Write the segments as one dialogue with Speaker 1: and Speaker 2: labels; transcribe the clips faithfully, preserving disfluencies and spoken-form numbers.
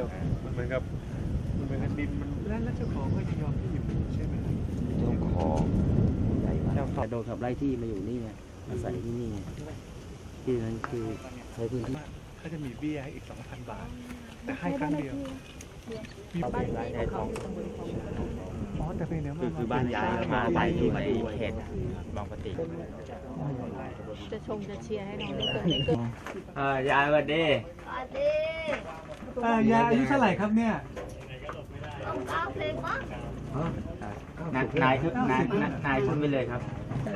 Speaker 1: ยวมันเหมือนกับมันเหมือนกับดินมันแล้วเจ้าของก็จะยอมที่อยู่ใช่ไหม
Speaker 2: เจ้าของ
Speaker 3: เจ้าของโดนขับไล่ที่มาอยู่นี่ไงอาศัยที่นี่ที่นั้นคือใช้พื้นที่
Speaker 1: เขาจะมีเบี้ยให้อีกสองพันบาทแต่ให้ครั้งเดียวมีบ้านย้ายของอ๋อแต่เป็นเนี่ย
Speaker 2: คือบ้านย้ายมาไปที่ในเขตบางปะติ
Speaker 4: จะชมจะเชียร์ให้น้องได้เกิดได้เกิด
Speaker 2: อ่ายายวันดี
Speaker 1: อ่ายายอายุเท่าไหร่ครับเนี่ย
Speaker 4: ต้องก้าวเพลงมั้ง
Speaker 2: นายขึ้นนายนายขึ้นไปเลยครับ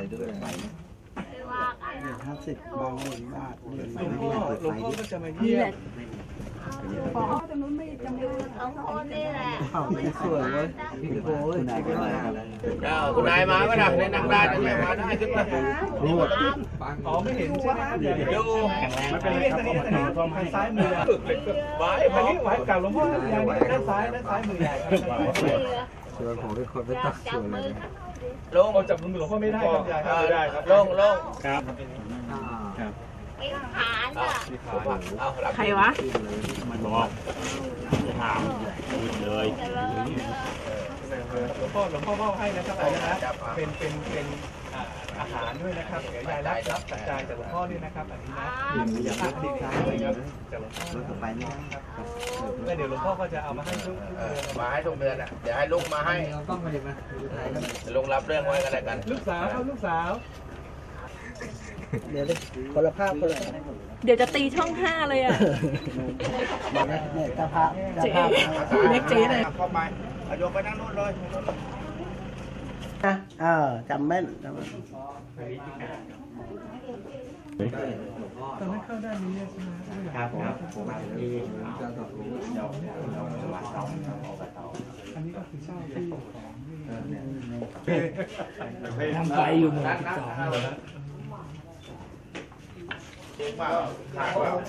Speaker 3: ห้าสิบบางหนึ่งบาทห
Speaker 1: ลวงพ่อหลวงพ่อก็จะมาเยี่ยม
Speaker 4: ขอตรงนู้นไม่จำเป็นสองคนนี่แหละ
Speaker 3: สวยเลยโอ้ยนายก็มา
Speaker 2: คุณนายมาก็ได้ในนั่งได้จะไม่มาได้ขึ้นมา
Speaker 1: นี่หมดอ๋อไม่เห็นใช่ไหมดูมันเป็นทางซ้ายมือไว้ไว้ไว้กับหลวงพ่ออย่างนี้ด้านซ้ายด้านซ้ายมือใหญ่
Speaker 3: ส่วนของทุกคนไม่ตัดส่วนเลย
Speaker 1: ลงจับมือหลวงพ่อไม่ได้ครับยายครับไม่ได้ครับลงลงครับ
Speaker 4: ครับไอ้ขานอ่ะ
Speaker 2: ใครวะมันบอกถามเลย
Speaker 1: หลวงพ่อหลวงพ่อมอบให้นะครับนะเป็นเป็นเป็นอาหารด้วยนะครับเดี๋ยวยายรับรับจัดจานจากหลวงพ่อนี่นะครับอันนี้นะอยากติดตามเลยครับจากหลวงพ่อไปนี่ครับแล้วเดี๋ยวหลวงพ่อก็จะเอามาให้ทุก
Speaker 2: มาให้ทุกเดือนอ่ะเดี๋ยวให้ลุงมาให้
Speaker 3: ต้องมาเห็นไหม
Speaker 2: ลุงรับเรื่องไว้กันแล้วกัน
Speaker 1: ลูกสาวครับลูกสาว
Speaker 3: เดี๋ยวคนละภาพคนละ
Speaker 4: เดี๋ยวจะตีช่องห้าเลยอ่ะ
Speaker 3: เนี่ยตาภาพ
Speaker 4: เจ๊เล็กเจ๊เลย
Speaker 2: เข้าไปโยกไปนั่งนู่นเลย
Speaker 3: นะเออจำแม่นจำแม่น
Speaker 1: ตอนนั้นเข้าด้านนี้ใช่ไหม
Speaker 2: ครับครับ
Speaker 1: อันนี้ก็คือเช่าที่
Speaker 3: ของทำไปอยู่หมู่สิบสอง
Speaker 2: เก่งมากขายว่า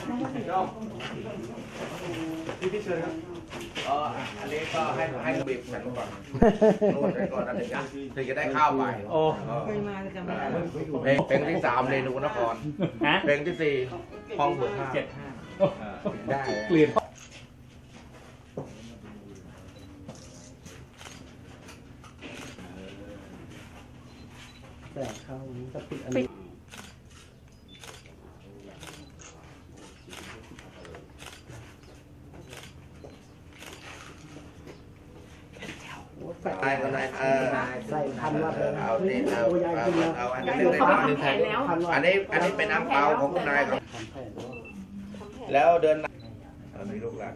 Speaker 1: พี่พี่เชิญครับ
Speaker 2: อ๋ออันนี้ก็ให้ให้บีบฉันก่อนนวดไปก่อนนะถึงจะถึงจะได้ข้าวไป
Speaker 1: โอ้
Speaker 4: เคยมาจะไม่
Speaker 2: เพลงเพลงที่สามเรนูนครเพลงที่สี่ห้องเบอร์ห้าเจ็ดห้าได้
Speaker 1: เปลี่ยน
Speaker 3: แต่เข้านี้ก็ปิดอันนี้
Speaker 2: ใส่ก็ได้เออ
Speaker 3: ใส่พันวัตเลย
Speaker 2: เอาเนี่ยเอาเอาอันนี้เป็นน้ำหนึ่งแผ่นอันนี้อันนี้เป็นน้ำเปล่าของคุณนายครับแล้วเดินมีลูกหลาน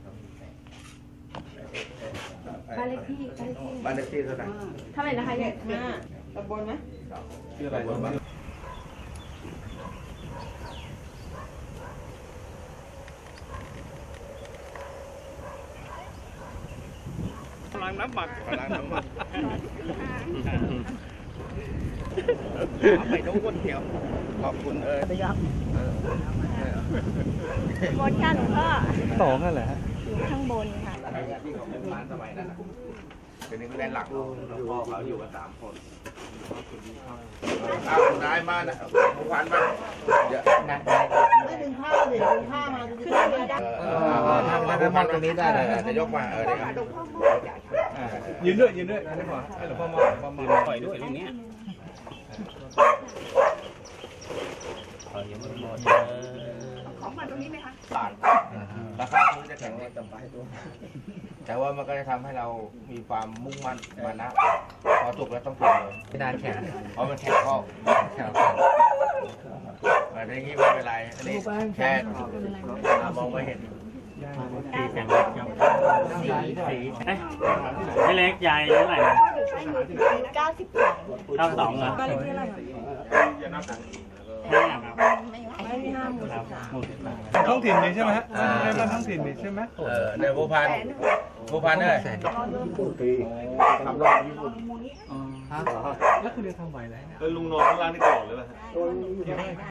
Speaker 4: บ้านเลขที่
Speaker 2: บ้านเลขที่เท่าไหร่
Speaker 4: เท่าไหร่นะคะยายห้าตำบลไหม
Speaker 1: ชื่ออะไรบ้างล้างน้ำหมักล้างน้ำหมักไปน้องวนเขียวขอบคุณเออ
Speaker 3: ได้ยับ
Speaker 4: หมดกันพ่อ
Speaker 1: สองนั่นแหละ
Speaker 4: อยู่ข้างบนค่ะ
Speaker 2: ที่เขาเป็นร้านสมัยนั้นเป็นนึงแดนหลักพ่อเขาอยู่กันสามคนอ้าวได้มานะผู้พันมาเยอะนะ
Speaker 3: ไม่ดึงผ้าเลยดึงผ้ามาขึ้นไม่ได้
Speaker 2: เออถ้าผู้พันตรงนี้ได้เลยจะยกมาเออได้ครับ
Speaker 1: ยืนด้วยยืนด้วยให้หลวงพ่อให้หลวงพ่อมาหลวงพ่อมาปล่อยด้วยตรงนี้
Speaker 4: ของมาตรงนี้ไหมคะ
Speaker 2: บาทราคาพื้นจะแข็งแรงต่ำไปตัวแต่ว่ามันก็จะทำให้เรามีความมุ่งมั่นมานะพอจบแล้วต้องเปลี่ยนเลยไม่ได้แข็งเพราะมันแข็งข้อแข็งอะไรอย่างนี้ไม่เป็นไรอันนี้แค่มองไม่เห็นสีแข็งสีสีไม่เล็กใหญ่เท่าไหร่
Speaker 4: เก้าสิบสอง
Speaker 2: เก้าสองเหรอ
Speaker 1: ท้องถิ่นนี่ใช่ไหมฮะในบ้านท้องถิ่นนี่ใช่ไหม
Speaker 2: เออในภูพันภูพันเลยทำรอบญี่ปุ่น
Speaker 1: แล้วคุณเรียนทำไหวแล้วลุงนอนข้างล่างนี่ก่อนหรือเปล่า